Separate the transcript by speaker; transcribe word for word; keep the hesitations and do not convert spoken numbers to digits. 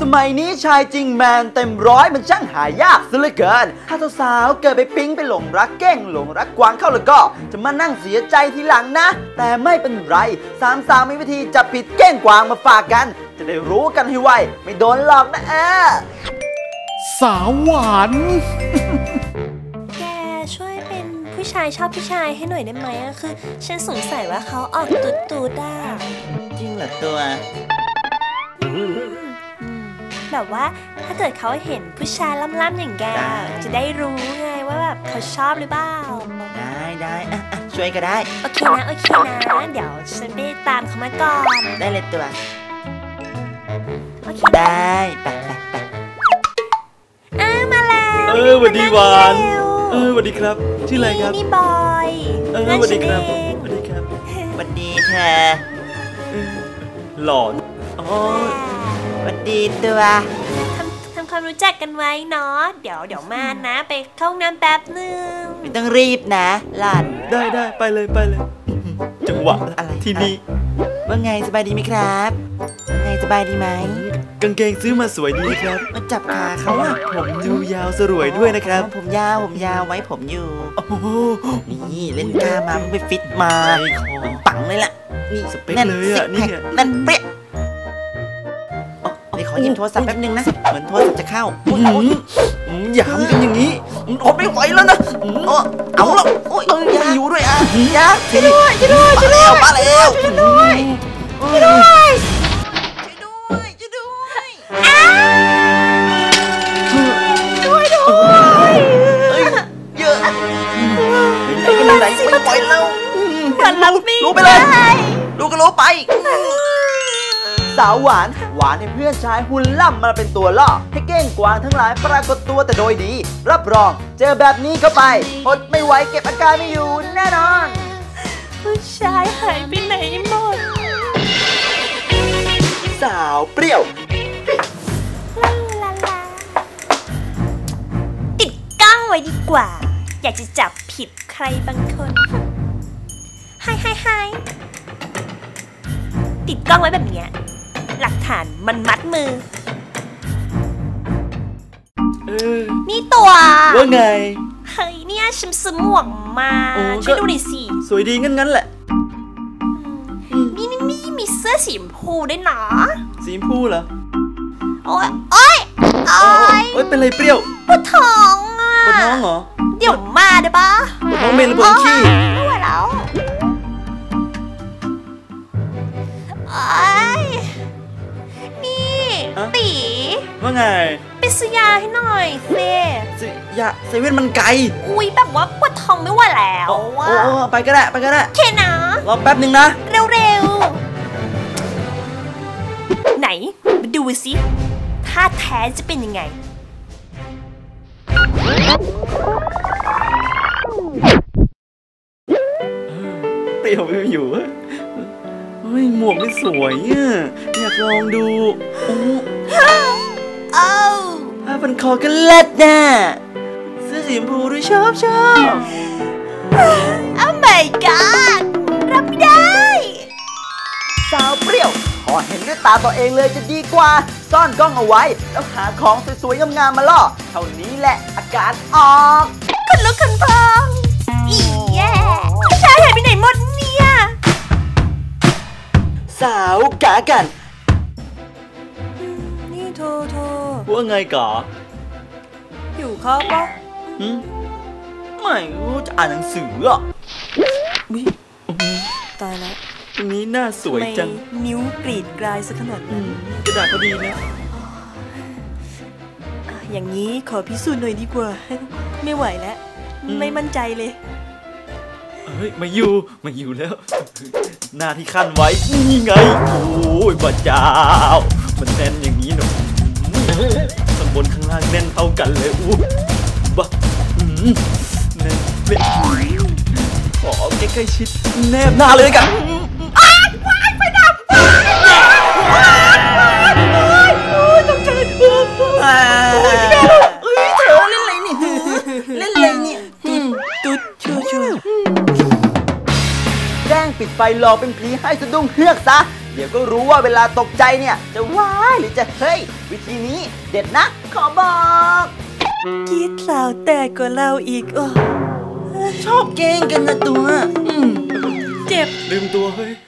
Speaker 1: มัยนี้ชายจริงแมนเต็มร้อยมันช่างหายากซะเหลือเกินถ้าสาวๆเกิดไปปิ๊งไปหลงรักเก้งหลงรักกวางเข้าแล้วก็จะมานั่งเสียใจทีหลังนะแต่ไม่เป็นไรสามสาวมีวิธีจับผิดเก้งกวางมาฝากกันจะได้รู้กันให้ไวไม่โดนหลอกนะเออ
Speaker 2: สาวหวาน
Speaker 3: แกช่วยเป็นผู้ชายชอบผู้ชายให้หน่อยได้ไหมอะคือฉันสงสัยว่าเขาออกตูดตูดอ่ะ
Speaker 1: จริงเหรอตัว
Speaker 3: แบบว่าถ้าเกิดเขาเห็นผู้ชายล่ำๆอย่างแกจะได้รู้ไงว่าแบบเขาชอบหรือเปล่า
Speaker 1: ได้ได้อ่ะอ่ะช่วยก็ได้
Speaker 3: โอเคนะโอเคนะเดี๋ยวฉันไปตามเขามาก่อน
Speaker 1: ได้เลยตัว
Speaker 3: โอเค
Speaker 1: ได้ไปไปไป
Speaker 3: อ้ามาแล้ว
Speaker 2: เออสวัสดีหวานเออสวัสดีครับชื่ออะไรครับ
Speaker 3: นี่บอย
Speaker 2: เออสวัสดีครับสวัสดีครับ
Speaker 1: สวัสดีเธอ
Speaker 2: หล่ออ๋อ
Speaker 1: สวัสดีตัว
Speaker 3: ทำทำความรู้จักกันไว้เนาะเดี๋ยวเดี๋ยวมานะไปเข้าห้องน้ำแป๊บนึง
Speaker 1: ไม่ต้องรีบนะหลาน
Speaker 2: ได้ได้ไปเลยไปเลยจังหวะ
Speaker 1: อะไร
Speaker 2: ที่นี่
Speaker 1: ว่าไงสบายดีไหมครับไงสบายดีไหม
Speaker 2: กางเกงซื้อมาสวยดีครับ
Speaker 1: มาจับขาเขาอ่ะ
Speaker 2: ผมดูยาวสรวยด้วยนะครับ
Speaker 1: ผมยาวผมยาวไว้ผมอยู่โอ้โหนี่เล่นกล้ามาไปฟิตมาปังเลยล่ะ
Speaker 2: นี่สเปคเลยอ่ะนี่
Speaker 1: นั่นเป๊ะเดี๋ยวขอหยิบโทรศัพท์แป๊บนึงนะเหมือนโทรศัพท์จะเข้า
Speaker 2: หยามกันอย่างนี้อดไม่ไหวแล้วนะ
Speaker 1: เอาแล้วโอ้ยยังอยู่ด้วยอ่ะ
Speaker 3: ยาช่วยด้วยช่วยด้วยช่วยด้วย
Speaker 1: มาแล้ว
Speaker 3: ช่วยด้วยช่วยด้วย
Speaker 1: ช่วยด้วย
Speaker 3: ช่วยด้วย
Speaker 1: เยอะไอ้กันไหนไม่ปล่อยเรา
Speaker 3: มันรับไม่
Speaker 1: รู้ไปเลยรู้ก็รู้ไปสาวหวานหวานให้เพื่อนชายหุ่นล่ำมาเป็นตัวล่อให้เก้งกวางทั้งหลายปรากฏตัวแต่โดยดีรับรองเจอแบบนี้เข้าไปอดไม่ไหวเก็บอาการไม่อยู่แน่นอน
Speaker 3: ผู้ชายหายไปไหนหมด
Speaker 1: สาวเปรี้ยว
Speaker 3: ลาลาลาติดกล้องไว้ดีกว่าอยากจะจับผิดใครบางคนไฮไฮไฮติดกล้องไว้แบบนี้หลักฐานมันมัดมือ
Speaker 2: เออ
Speaker 3: นี่ตัว
Speaker 2: ว่าไง
Speaker 3: เฮ้ยเนี่ยฉันซื้อหมวกมาช่วยดูหน่อยสิ
Speaker 2: สวยดีงั้นงั้นแหละ
Speaker 3: นี่นี่นี่มีเสื้อสีชมพูด้วยนะ
Speaker 2: สีชมพูเหรอ
Speaker 3: โอ้ยโอ้ยโอ้ย
Speaker 2: โอ้ยเป็นไรเปรี้ยว
Speaker 3: ปวดท้องอ่ะ
Speaker 2: ปวดท้องเหรอ
Speaker 3: เดี๋ยวมาได้ปะ
Speaker 2: ปวดท้องเมนหรือปวดขี้
Speaker 3: ไม่ไหวแล้วนี่ตี
Speaker 2: ว่าไง
Speaker 3: ไปซื้อยาให้หน่อยเซ่
Speaker 2: ซื้อยาเซเว่นมันไกล
Speaker 3: อุ้ยแบบว่าปวดท้องไม่ไหวแล้ว
Speaker 2: โอ้ไปก็ได้ไปก็ได้
Speaker 3: เคนะ
Speaker 2: รอแป๊บนึงนะ
Speaker 3: เร็วๆไหนมาดูสิท่าแท้จะเป็นยังไง
Speaker 2: เปรี้ยวไม่อยู่เฮ้ยหมวกไม่สวยอ่ะอยากลองดูโอ้
Speaker 3: โอ้
Speaker 1: ผ้าพันคอกันเล็ดน่ะเสื้อสีชมพูด้วยชอบชอบ
Speaker 3: โอ้ my god รับไม่ได้
Speaker 1: สาวเปรี้ยวขอเห็นด้วยตาตัวเองเลยจะดีกว่าซ่อนกล้องเอาไว้แล้วหาของสวยๆงามๆมาล่อเท่านี้แหละอาการออก
Speaker 3: คุณลุกคุณพองอีแย่ผู้ชายหายไปไหนหมดเนี่ย
Speaker 1: สาวกากัน
Speaker 3: นี่โทโท
Speaker 2: ว่าไงก่อ
Speaker 3: อยู่ข้าวปะ
Speaker 1: ไม่รู้จะอ่านหนังสืออ่ะ
Speaker 3: วิตายแล้ว
Speaker 2: ตรงนี้หน้าสวยจัง
Speaker 3: นิ้วกรีดกลายซะขนาดนั้น
Speaker 2: กระดาษพอดีนะ
Speaker 3: อย่างนี้ขอพิสูจน์หน่อยดีกว่าไม่ไหวแล้วไม่มั่นใจเลย
Speaker 2: เฮ้ยมาอยู่มาอยู่แล้วหน้าที่ขั้นไว้นี่ไงโอ้ยพระเจ้ามันแน่นอย่างนี้เนาะข้างบนข้างล่างแน่นเท่ากันเลยอู้บ้าแน่นเป๊ะขอใกล้ๆชิดแนบหน้าเลยกัน
Speaker 3: อ้าวว้ายไฟดับว้ายตกใจเฮ้ยเธอเล่นอะไรนี่เล่นอะไรนี่ตุ๊ดชัวชัว
Speaker 1: แกล้งปิดไฟรอเป็นผีให้สะดุ้งเฮือกซะเดี๋ยวก็รู้ว่าเวลาตกใจเนี่ยจะว้ายหรือจะเฮ้ยวิธีนี้เด็ดนะขอบอก
Speaker 3: กีดสาวแตกกว่าเราอีกโอ้ชอบเก่งกันนะตัวอืมเจ็บ
Speaker 2: ลืมตัวเฮ้ย